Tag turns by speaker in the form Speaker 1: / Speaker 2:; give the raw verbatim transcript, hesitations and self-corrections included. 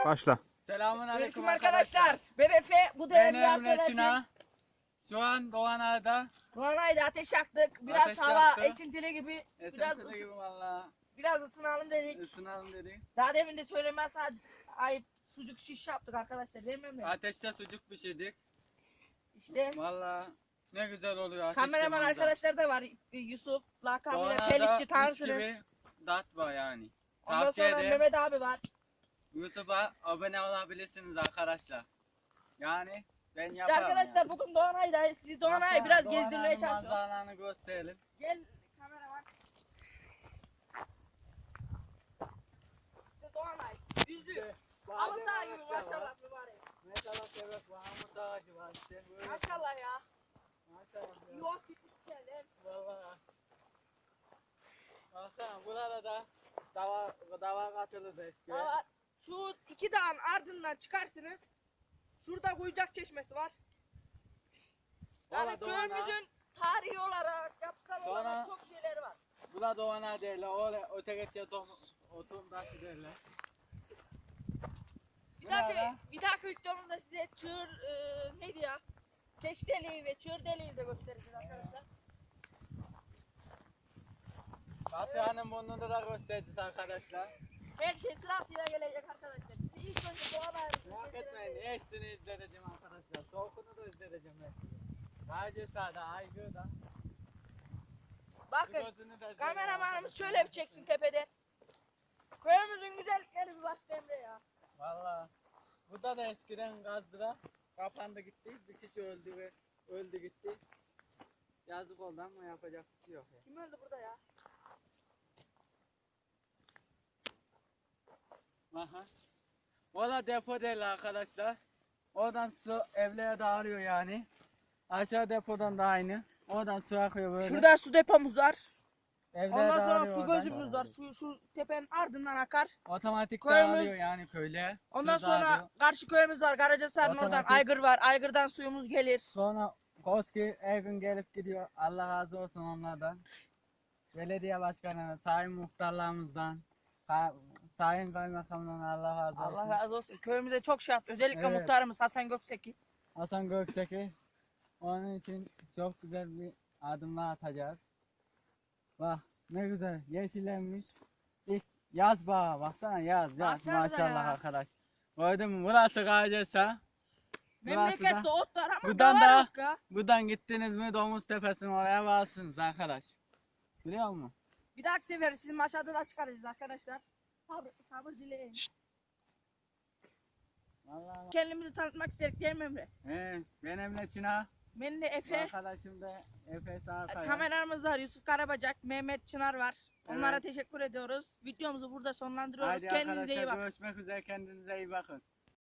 Speaker 1: Başla.
Speaker 2: Selamun aleyküm
Speaker 3: Aleyküm arkadaşlar. Ben Efe. Bu da
Speaker 2: Ben
Speaker 3: Emre
Speaker 2: Emre
Speaker 3: arkadaşım.
Speaker 2: Çınar. Şu an Doğan Ağa'da.
Speaker 3: Doğanay'da ateş yaktık. Biraz
Speaker 2: Ateş
Speaker 3: hava
Speaker 2: yaktı.
Speaker 3: esintili gibi. Biraz,
Speaker 2: Esintili
Speaker 3: ısı-
Speaker 2: gibi valla.
Speaker 3: biraz ısınalım dedik.
Speaker 2: Isınalım dedik.
Speaker 3: Daha demin de söylemez sadece ayıp sucuk şiş yaptık arkadaşlar. Değil mi Emre?
Speaker 2: Ateşte sucuk pişirdik.
Speaker 3: İşte
Speaker 2: Valla ne güzel oluyor ateşte.
Speaker 3: kameraman
Speaker 2: manzara.
Speaker 3: arkadaşlar da var. Yusuf, lakabıyla
Speaker 2: Doğan Ağa'da
Speaker 3: Pelikçi
Speaker 2: mis
Speaker 3: tanırsınız.
Speaker 2: gibi dat var yani.
Speaker 3: Ondan
Speaker 2: Tavsiye
Speaker 3: sonra
Speaker 2: ederim.
Speaker 3: Mehmet abi var.
Speaker 2: YouTube'a abone olabilirsiniz arkadaşlar. Yani ben
Speaker 3: İşte
Speaker 2: yaparım.
Speaker 3: arkadaşlar
Speaker 2: yani.
Speaker 3: bugün Doğanay'da sizi Doğanay'ı
Speaker 2: Baksana,
Speaker 3: biraz
Speaker 2: Doğan
Speaker 3: gezdirmeye
Speaker 2: Ağa'nın
Speaker 3: çalışıyoruz.
Speaker 2: manzaralarını gösterelim.
Speaker 3: Gel kameraman. İşte Doğanay. Yüzü. Halı saha gibi maşallah mübarek.
Speaker 2: Maşallah evet Mahmut ağacı var işte. Böyle.
Speaker 3: Maşallah ya.
Speaker 2: Maşallah. ya.
Speaker 3: Yuva gitmiş geldi.
Speaker 2: Valla. Baksana burada da dava, dava katılırdı eski.
Speaker 3: Ama şu iki dağın ardından çıkarsınız. Şurada Kuyucak Çeşmesi var. Yani
Speaker 2: Valla Doğan Ağa-
Speaker 3: köyümüzün tarihi olarak, yapısal
Speaker 2: Doğan
Speaker 3: olarak
Speaker 2: Ağa-
Speaker 3: çok şeyleri var.
Speaker 2: Bu da Doğan Ağa derler. Öyle öte geçiyor otum taşı derler.
Speaker 3: Bir
Speaker 2: Bu
Speaker 3: dahaki,
Speaker 2: arada-
Speaker 3: bir dahaki videomuzda size çığır, e, neydi ya? Keş deliği ve çığır deliği de göstereceğiz arkadaşlar.
Speaker 2: Batıhan'ın burnunda da göstereceğiz arkadaşlar.
Speaker 3: Her şey sırasıyla gelecek arkadaşlar. Size ilk önce Doğan Ağa'yı
Speaker 2: Merak etmeyin. Hepsini izleyeceğim arkadaşlar. Soğukunu da izleyeceğim hepsini. Gaycesa da, Aygır da.
Speaker 3: Bakın,
Speaker 2: Gözünü de izleyeceğim
Speaker 3: kameramanımız
Speaker 2: arkadaşlar.
Speaker 3: şöyle bir çeksin tepeden. Köyümüzün güzellikleri bir başka Emre ya.
Speaker 2: Valla. Burada da eskiden gazdıra kapandı gitti. Bir kişi öldü ve öldü gitti. Yazık oldu ama yapacak bir şey yok ya.
Speaker 3: Kim öldü burada ya?
Speaker 2: Aha. Valla depo değil arkadaşlar. Oradan su evlere dağılıyor yani. Aşağı depodan da aynı. Oradan su akıyor böyle.
Speaker 3: Şurada su depomuz var.
Speaker 2: Evlere
Speaker 3: Ondan sonra
Speaker 2: dağılıyor
Speaker 3: su
Speaker 2: oradan.
Speaker 3: gözümüz var. Şu, şu tepenin ardından akar.
Speaker 2: Otomatik
Speaker 3: Köyümüz-
Speaker 2: dağılıyor yani köyle.
Speaker 3: Ondan
Speaker 2: Su
Speaker 3: sonra
Speaker 2: dağılıyor.
Speaker 3: karşı köyümüz var. Karacasar'ın oradan
Speaker 2: Otomatik.
Speaker 3: Aygır var. Aygır'dan suyumuz gelir.
Speaker 2: Sonra Koski her gün gelip gidiyor. Allah razı olsun onlardan. Belediye başkanı, sayın muhtarlarımızdan, ka- sayın kaymakamdan Allah razı olsun.
Speaker 3: Allah razı olsun. Köyümüze çok şey yaptı. Özellikle
Speaker 2: Evet.
Speaker 3: muhtarımız Hasan Gökseki.
Speaker 2: Hasan Gökseki. Onun için çok güzel bir adımlar atacağız. Bak ne güzel yeşillenmiş. İlk yaz bağı baksana yaz yaz
Speaker 3: Baksanıza
Speaker 2: maşallah
Speaker 3: ya.
Speaker 2: arkadaş. Gördün mü burası Gaycesa. Burası
Speaker 3: Memlekette
Speaker 2: da.
Speaker 3: ot var ama
Speaker 2: Buradan
Speaker 3: davar
Speaker 2: da-
Speaker 3: yok ya.
Speaker 2: Buradan gittiniz mi Domuz Tepesi'ne oraya varsınız arkadaş. Biliyor musun?
Speaker 3: Bir dahaki sefer sizin aşağıda da çıkaracağız arkadaşlar. Sabır, sabır dileyin.
Speaker 2: Vallahi
Speaker 3: Kendimizi tanıtmak istedik değil mi Emre?
Speaker 2: He, ben Emre Çınar.
Speaker 3: Benim de Efe.
Speaker 2: Arkadaşım da Efe Sarkaya.
Speaker 3: Kameramız var. Yusuf Karabacak, Mehmet Çınar var. Onlara
Speaker 2: Evet.
Speaker 3: teşekkür ediyoruz. Videomuzu burada sonlandırıyoruz.
Speaker 2: Haydi
Speaker 3: Kendinize iyi
Speaker 2: arkadaşlar
Speaker 3: bakın.
Speaker 2: görüşmek üzere kendinize iyi bakın.